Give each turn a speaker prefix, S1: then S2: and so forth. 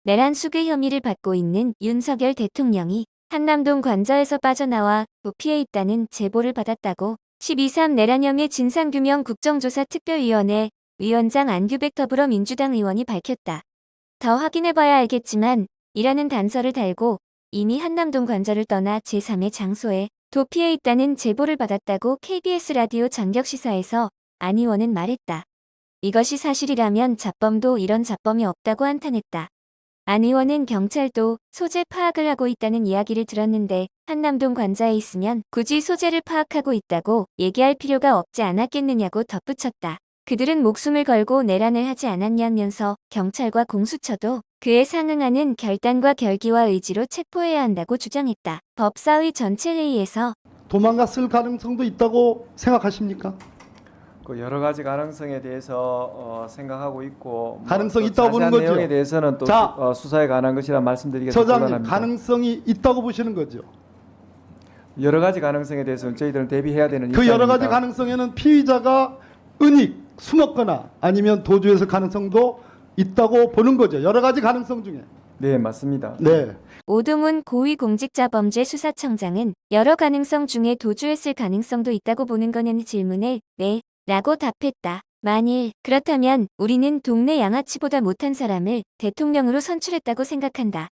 S1: 내란 수괴 혐의를 받고 있는 윤석열 대통령이 한남동 관저에서 빠져나와 도피해 있다는 제보를 받았다고 12.3 내란 혐의 진상규명 국정조사 특별위원회 위원장 안규백 더불어민주당 의원이 밝혔다. 더 확인해봐야 알겠지만 이라는 단서를 달고 이미 한남동 관저를 떠나 제3의 장소에 도피해 있다는 제보를 받았다고 KBS 라디오 전격시사에서 안 의원은 말했다. 이것이 사실이라면 잡범도 이런 잡범이 없다고 한탄했다. 안 의원은 경찰도 소재 파악을 하고 있다는 이야기를 들었는데 한남동 관저에 있으면 굳이 소재를 파악하고 있다고 얘기할 필요가 없지 않았겠느냐고 덧붙였다. 그들은 목숨을 걸고 내란을 하지 않았냐면서 경찰과 공수처도 그에 상응하는 결단과 결기와 의지로 체포해야 한다고 주장했다. 법사위 전체 회의에서
S2: 도망갔을 가능성도 있다고 생각하십니까?
S3: 그 여러 가지 가능성에 대해서 생각하고 있고
S2: 가능성이
S3: 또
S2: 있다고 보는
S3: 자세한
S2: 거죠?
S3: 내용에 대해서는 또
S2: 자,
S3: 수사에 관한 것이라 말씀드리기가
S2: 처장님,
S3: 곤란합니다.
S2: 가능성이 있다고 보시는 거죠?
S3: 여러 가지 가능성에 대해서는 저희들은 대비해야 되는
S2: 그 여러 가지
S3: 입장입니다.
S2: 가능성에는 피의자가 은닉, 숨었거나 아니면 도주했을 가능성도 있다고 보는 거죠. 여러 가지 가능성 중에.
S3: 네, 맞습니다.
S2: 네.
S1: 오동훈 고위공직자범죄수사청장은 여러 가능성 중에 도주했을 가능성도 있다고 보는 거냐는 질문에 네, 라고 답했다. 만일 그렇다면 우리는 동네 양아치보다 못한 사람을 대통령으로 선출했다고 생각한다.